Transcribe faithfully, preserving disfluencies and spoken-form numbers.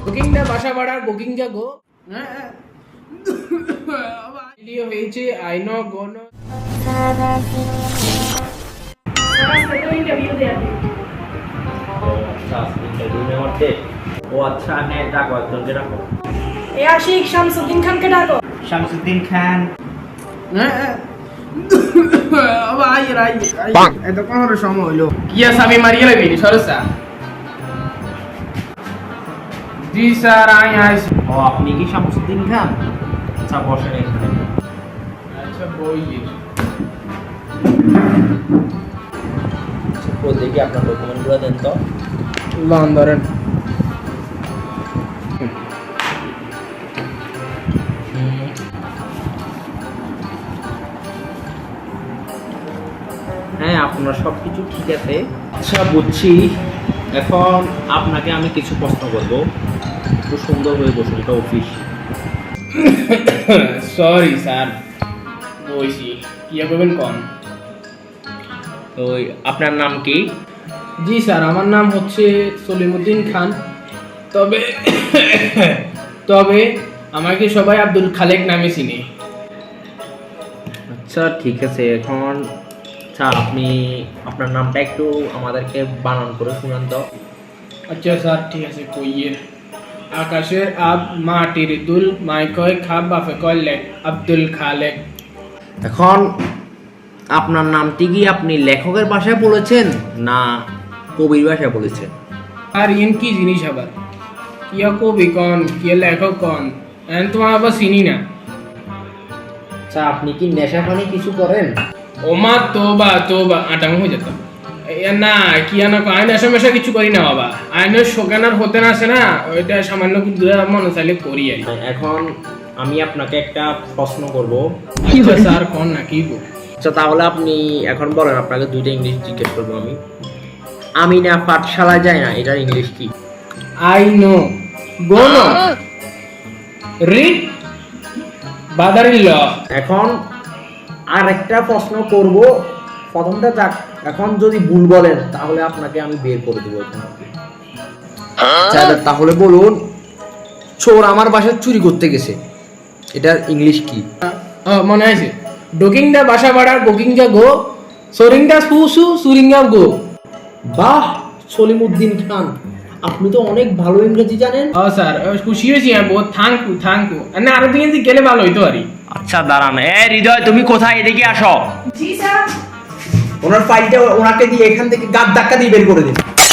বুকিংটা বাসা ভাড়ার বুকিংটা গো ভিডিও হয়েছে আইনো গোনো ও আচ্ছা হ্যাঁ ডাকো একজনকে ডাকো এ আশিক শামসুদ্দিন খানকে ডাকো। শামসুদ্দিন খান ভাই রাই এত কোন সময় হলো কি আছে আমি মারিয়ে লাগবি সরসা জি স্যার আই আইছি ও আপনি কি শামসুদ্দিন খান? আচ্ছা বসেন এখানে। আচ্ছা বই দেখি আপনার ডকুমেন্টগুলো দেন তো। লন ধরেন হ্যাঁ আপনার সব কিছু ঠিক আছে। আচ্ছা বুঝছি, এখন আপনাকে আমি কিছু প্রশ্ন করবো, একটু সুন্দর হয়ে বসুন, এটা অফিস। সরি স্যার বইছি কি করবেন কোন? তো আপনার নাম কি? জি স্যার আমার নাম হচ্ছে সলিমুদ্দিন খান, তবে তবে আমাকে সবাই আব্দুল খালেক নামে চিনে। আচ্ছা ঠিক আছে, এখন আচ্ছা আপনি আপনার নামটা একটু আমাদেরকে বানান করে শুনান তো। আচ্ছা স্যার ঠিক আছে কইয়ের আকাশের আব মাটির দুল মাই কয় খাব বাফে কয় লেখ আব্দুল খালেক। এখন আপনার নামটি কি আপনি লেখকের ভাষায় বলেছেন না কবির ভাষায় বলেছেন? আর ইন কি জিনিস আবার কিয়া কবি কন কিয়া লেখক কন এন তোমার আবার চিনি না। আচ্ছা আপনি কি নেশা পানি কিছু করেন? ওমা তোবা তোবা আটাং হয়ে যেত না কিয়া না আইন আসা মেশা কিছু করি না বাবা, আইনের শোকানার হতে না আসে না, ওইটা সামান্য কিন্তু মনে চাইলে করি আর কি। এখন আমি আপনাকে একটা প্রশ্ন করব। আচ্ছা স্যার কোন না কি গো? আচ্ছা তাহলে আপনি এখন বলেন, আপনাকে দুইটা ইংলিশ জিজ্ঞেস করবো আমি। আমি না পাঠশালায় যাই না, এটার ইংলিশ কি? I know go know read বাদারিল ল। এখন আর একটা প্রশ্ন করব, প্রথমটা যাক, এখন যদি ভুল বলেন তাহলে আপনাকে আমি বের করে দেবো এখান থেকে। আচ্ছা তাহলে বলুন, চোর আমার বাসায় চুরি করতে গেছে, এটার ইংলিশ কি? মনে আছে ডোকিংটা বাসা ভাড়ার বুকিংটা গো সরিংটা সুসু সুরিংটা গো। বাহ সলিমুদ্দিন খান, আপনি তো অনেক ভালো ইংরেজি জানেন। ও স্যার খুশি হয়েছি আমি বহুত, থ্যাংক ইউ থ্যাংক ইউ না আরো দিন গেলে ভালো হইতো আরই। আচ্ছা দাঁড়ান, এ হৃদয় তুমি কোথায়, এদিকে আসো। জি স্যার। ওনার ফাইলটা ওনাকে দিয়ে এখান থেকে গাদ ধাক্কা দিয়ে বের করে দিন।